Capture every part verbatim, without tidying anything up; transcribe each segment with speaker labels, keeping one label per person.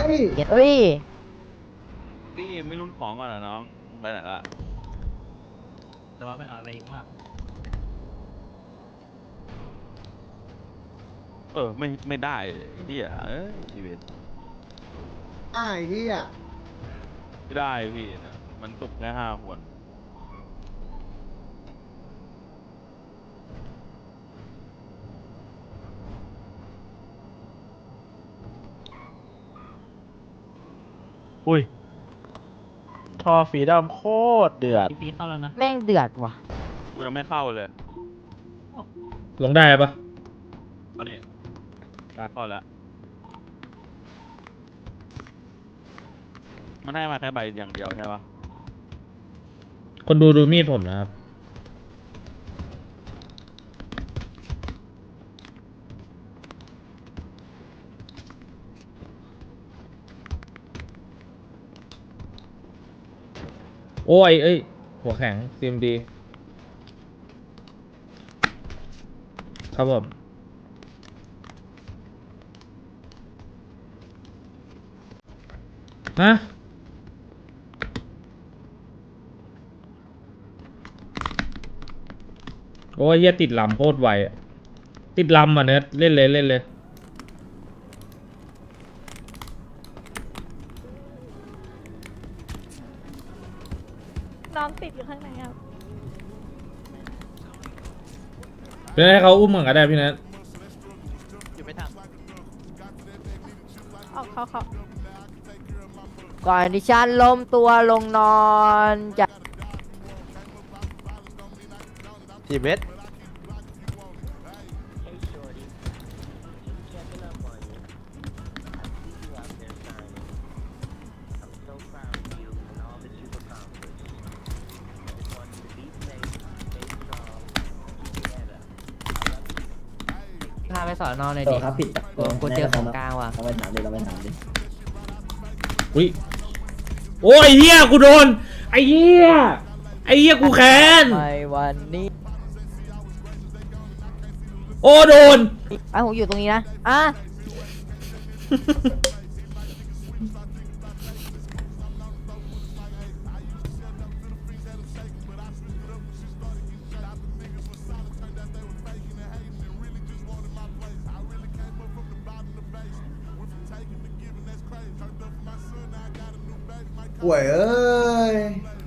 Speaker 1: เฮ้ย
Speaker 2: พี่ไม่รุ่นของก่อนเหรอน้องไปไหนละ
Speaker 3: แต่ว่าไม่เอาอะไรมาก
Speaker 2: เออไม่ไม่ได้เฮียเอ้ยชีวิต
Speaker 4: อ้ายเฮีย
Speaker 2: ไม่ได้พี่นะมันตกแค่ห้าคน
Speaker 3: อุ้ยทอฝีดำโคตรเดือดปีเข้าแล้วนะ
Speaker 1: แม่งเดือดว่ะ
Speaker 2: กูยังไม่เข้าเลย
Speaker 5: ลงได้ปะ
Speaker 2: ตอนนี้เข้าแล้วมันให้มาแค่ใบอย่างเดียวใช่ปะ
Speaker 5: คนดูดูมีดผมนะครับโอ้ยเอ้ยหัวแข็งซีมดีครับผมฮะโอ้ยเหี้ยติดลำโคตรไวอะติดลำอ่ะเนิร์ดเล่นเลยเล่นเลย
Speaker 6: น้องติดอยู่ข้างในครับ
Speaker 5: เพื่อให้เขาอุ้มเหมือนกันได้พี่เนิร์ด
Speaker 3: อยู่ไม่ทัน
Speaker 6: ออกเขาเขา
Speaker 1: ก่อนดิฉันล้มตัวลงนอนจะ
Speaker 3: กี่เม็ด
Speaker 1: พาไปสอนนอนเลย
Speaker 4: ต่
Speaker 1: ดิ
Speaker 4: อครับผิด
Speaker 1: กูกูเจอของกลางว่ะ
Speaker 4: เราไปถามดิเราไปถามดิ
Speaker 5: อุ้ยโอ้ยเหี้ยกูโดนไอ้เหี้ยไอ้เหี้ยกูแค้น
Speaker 1: ไปวันนี้
Speaker 5: โอ้โดน
Speaker 1: ไอ้ผมอยู่ตรงนี้นะอ่ะ
Speaker 4: ป่วยเอ้ย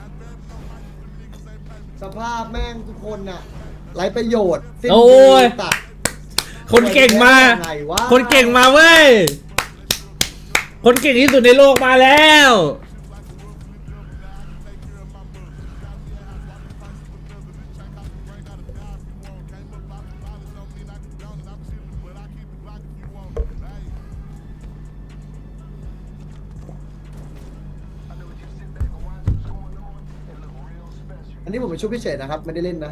Speaker 4: สภาพแม่งทุกคนน่ะไร้ประโยชน์สิ้น
Speaker 5: โอ้
Speaker 4: ดี
Speaker 5: ย
Speaker 4: ตัด
Speaker 5: คนเก่งมา
Speaker 4: ไงวะ
Speaker 5: คนเก่งมาเว้ย คนเก่งที่สุดในโลกมาแล้ว
Speaker 4: อันนี้ผมเป็นชุดพิเศษนะครับไม่ได้เล่นนะ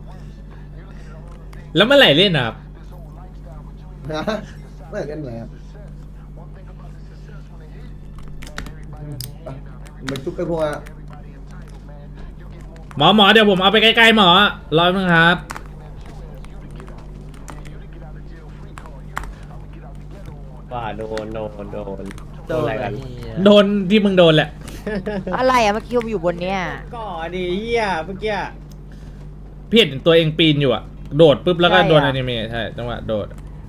Speaker 5: แล้วเมื่อไหร่เล่นอ่ะครับ
Speaker 4: ฮะไม่ได้เล่นเลยครับไปผมเป็นชุดไปพวกอะ
Speaker 5: หมอหมอเดี๋ยวผมเอาไปใกล้ๆหมอรอแป๊บนึงครับ
Speaker 7: ว่าโดนโดนโดนโดนอะไรกัน
Speaker 5: โดนที่มึงโดนแหละ
Speaker 1: อะไรอ่ะเมื่อกี้ผมอยู่บนเนี้ย
Speaker 7: ก่อดีเฮียเมื่อกี้
Speaker 5: พี่เห็นตัวเองปีนอยู่อะโดดปุ๊บแล้วก็โดนอนิเมะใช่จังหวะโดด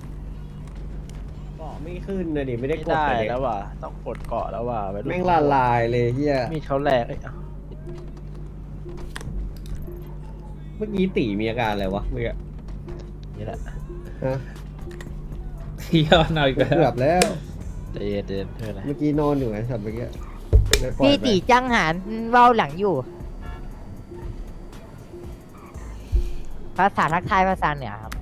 Speaker 7: ก่อไม่ขึ้นนะดิไม่ได้
Speaker 3: ไม่
Speaker 7: กด
Speaker 3: ได้
Speaker 7: เลย
Speaker 3: แล้วว่ะต้องกดเกาะแล้วว่ะไปดู
Speaker 7: แม่งละลายเลยเฮีย
Speaker 3: มีดเขาแรงเอ้ย
Speaker 7: เมื่อกี้ตีมีอาการอะไรวะเมื่อกี้
Speaker 3: นี่แหละ
Speaker 7: ฮะ
Speaker 5: เที่ยวเอาอีกแล้ว
Speaker 7: เกือบแล้ว
Speaker 3: ใจเย็นเย็นเพื่อนอะไร
Speaker 7: เมื่อกี้นอนอยู่ไงสัตว์เมื่อกี้เลยปล่อย
Speaker 1: พี่
Speaker 7: ไป
Speaker 1: ตีจังหารเว้าหลังอยู่ ภาษาทักทายภาษาเหนือครับ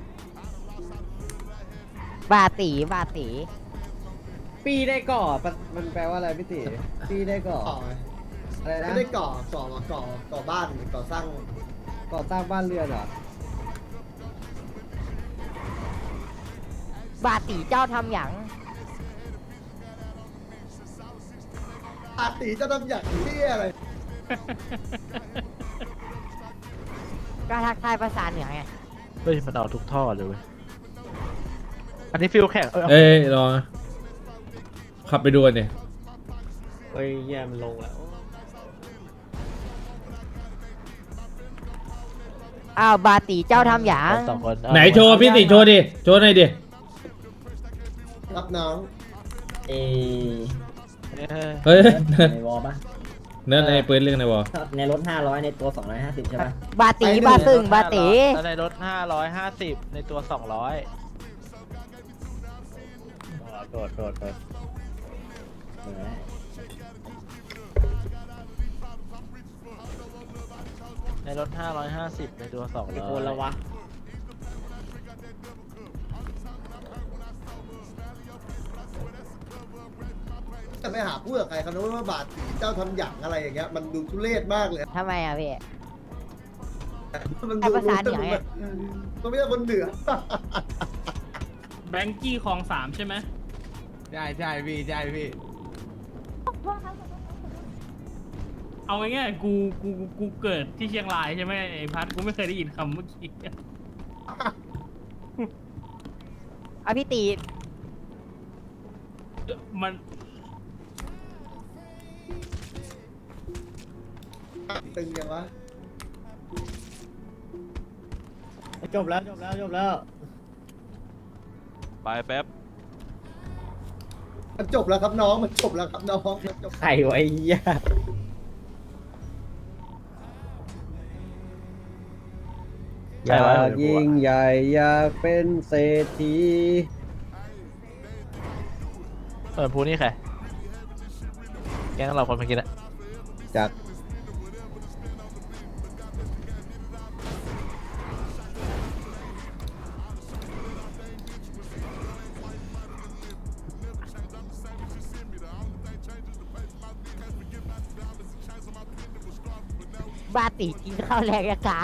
Speaker 1: บาตีบาตี
Speaker 7: ปีได้ก่อปะมันแปลว่าอะไรพี่ตีปีได้ก่อ
Speaker 4: ก่อไง
Speaker 7: อะไรนะ
Speaker 4: ไม่ได้ก่อก่อก่อก่อบ้านก่อสร้าง
Speaker 7: ก่อสร้างบ้านเรือนเหรอบ
Speaker 1: าตีเจ้าทำหยัง
Speaker 4: อาตีจะทำอย่างที่อะไร
Speaker 1: ก็ทักทายภาษาเหนือไง
Speaker 3: เฮ้ยมันเอาทุกท่อเลยเว้ยอันนี้ฟิลแข่งเออ
Speaker 5: เอ้ยรอนะขขับไปดูกันเนี่ย
Speaker 7: เฮ้ยแย่มันลงแล้ว
Speaker 1: อ้าวบาตีเจ้าทำหยาง
Speaker 3: สองคน
Speaker 5: ไหนโชว์พี่ติโชว์ดิโชว์หน่อยดิ
Speaker 4: รับน้อง
Speaker 8: เอ
Speaker 5: เฮ้ย
Speaker 8: ในวอลปะ
Speaker 5: เนื้อในปืนเรื่องในวอ
Speaker 8: ในรถห้าร้อยในตัวสองร้อยห้าสิบใช่ปะ
Speaker 1: บาตีบาซึ่งบาตี
Speaker 3: ในรถห้าร้อยห้าสิบในตัวสองร้อยโดดโดดโดด
Speaker 8: เออ
Speaker 3: ในรถห้าร้อยห้าสิบในตัวสองร้อย
Speaker 8: โคนละวะ
Speaker 4: จะไปหาพูดกับใครเขาโน้นว่าบาทสีเจ้าทำหยั่งอะไรอย่างเงี้ยมันดูทุเรศมากเลย
Speaker 1: ทำไมอ่ะพี่
Speaker 4: มัน
Speaker 1: ไอ้
Speaker 4: ดู
Speaker 1: ภาษาเหนือไง
Speaker 4: มันไม่ใช่คนเหนือ
Speaker 9: แบงกี้คลองสามใช่ไหม
Speaker 2: ใช่ใช่พี่ใช่พี่
Speaker 9: เอาง่ายๆกูกูกูกูเกิดที่เชียงรายใช่ไหมไอ้พัดกูไม่เคยได้ยินคำเมื่อกี้
Speaker 1: เอาพี่ตี
Speaker 9: มัน
Speaker 4: ตึงยังวะ
Speaker 7: จบแล้วจบแล้วจบแล้ว
Speaker 2: ไปแป๊บ
Speaker 4: มันจบแล้วครับน้องมันจบแล้วครับน้องมันจบ
Speaker 7: ไข่ไว้ยาอยากยิ่งใหญ่อยากเป็นเศรษฐี
Speaker 3: เออพูนี่ใครแก๊งเราคนเมื่อกี้นะ
Speaker 7: จาก
Speaker 1: บาตีกินข้าวแรงยากา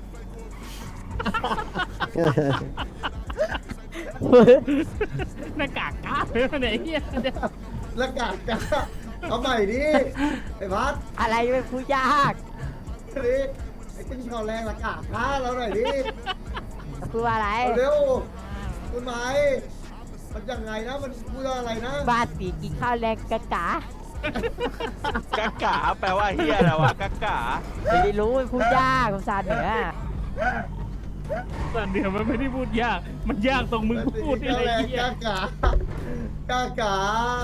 Speaker 9: หน้ากากกาเลยไหนเฮีย
Speaker 4: แล้วกาดกาเอาใหม่ดิไอ้พัด
Speaker 1: อะไรเป็นผู้ยาก
Speaker 4: ดิไอ้ขึ้นคอแรงละกาดท้าเราหน่อยดิ
Speaker 1: พูดว่าอะไร
Speaker 4: เอาเร็วคุณไม้มันยังไงนะมันพูดว่าอะไรนะ
Speaker 1: บาตีกินข้าวแรงกากา
Speaker 2: กักกาแปลว่าเฮียอะไรวะกักกา
Speaker 1: ไม่ได้รู้เป็นผู้ยากภาษาเหนือ
Speaker 9: แต่เดี๋ยวมันไม่ได้พูดยาก มันยากตรงมึงพูดนี่
Speaker 4: ข้า
Speaker 9: แหละ
Speaker 4: แรง
Speaker 9: เฮีย
Speaker 4: กากากากา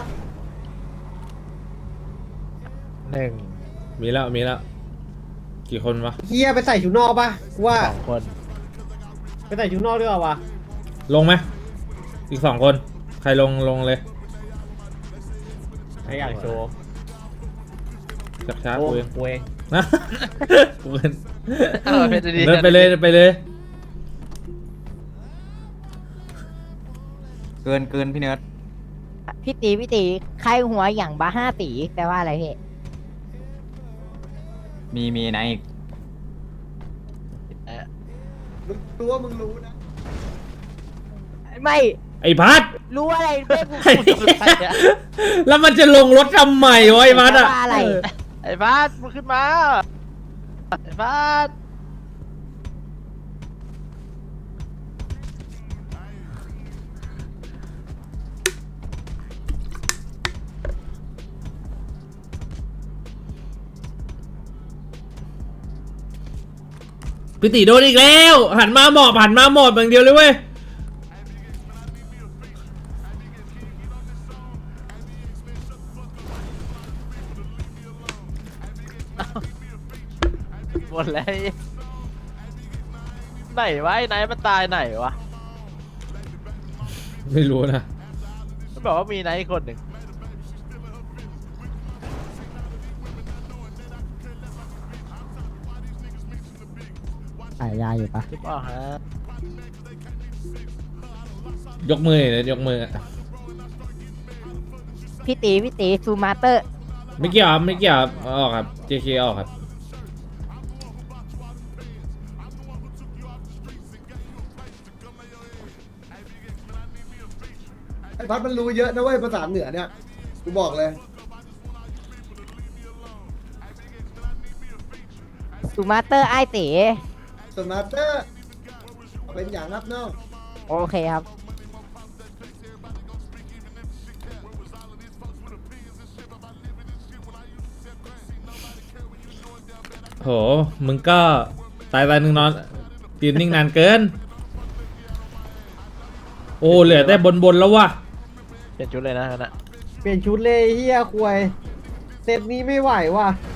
Speaker 3: หนึ่ง
Speaker 5: มีแล้วมีแล้วกี่คนวะ
Speaker 7: เฮียไปใส่ชุดนอกปะกูว่า
Speaker 3: สองคน
Speaker 7: ไปใส่ชุดนอกด้วยเหรอวะ
Speaker 5: ลงไหมอีกสองคน ใครลงลงเลย
Speaker 7: ใครอยากโชว์
Speaker 5: จับช้า
Speaker 7: โอ้
Speaker 5: กูเอง
Speaker 7: กูเอง
Speaker 5: นะกูเอง
Speaker 3: เออเป็นดี
Speaker 5: เดินไปเลยเดินไปเลย
Speaker 2: เกินเกินพี่เนิร์ด
Speaker 1: พี่ตีพี่ตีใครหัวอย่างบาห้าตีแปลว่าอะไรพี่
Speaker 2: มีมีไหนอีก
Speaker 4: มึงตัวมึงรู้นะ
Speaker 1: ไม่
Speaker 5: ไอ้พัด
Speaker 1: รู้อะไรไม่พูด
Speaker 5: ไอ้แล้วมันจะลงรถทำไมวะไอ้พัด
Speaker 1: แปล
Speaker 5: อะ
Speaker 1: ว่าอะไร
Speaker 3: ไอ้บาสมึงขึ้นมาไอ้บาส
Speaker 5: พี่ติโดนอีกแล้ว หันมาหมอบหันมาหมอบอย่างเดียวเลยเว้ย
Speaker 3: หมดแล้วไหนวะไอ้ไหนมันตายไหนวะ
Speaker 5: ไม่รู้นะ
Speaker 3: มันบอกว่ามีไหนอีกคนหนึ่ง
Speaker 8: ขายยาอยู่ปะ
Speaker 3: หรือเปล่าฮะ
Speaker 5: ยกมือเลยยกมืออะ
Speaker 1: พี่ตีพี่ตีซูมาเตอร์
Speaker 5: ไม่เกี่ยวครับไม่เกี่ยวครับเอาออกครับ เจ เค ออกครับ
Speaker 4: ไอ้พัดมันรู้เยอะนะเว้ยภาษาเหนือเนี่ยกูบอกเลย
Speaker 1: ซูมาเตอร์ไอตี
Speaker 4: สมาร์เตอร์เป็นอย่างนับเนาะ
Speaker 1: โอเคครับ
Speaker 5: โหมึงก็ตายตายหนึ่งนอนยืนนิ่งนานเกินโอ้เหลือแต่บนบนแล้ววะ
Speaker 3: เปลี่ยนชุดเลยนะนั่นนะ
Speaker 7: เปลี่ยนชุดเลยเฮียควยเซตนี้ไม่ไหวว่ะ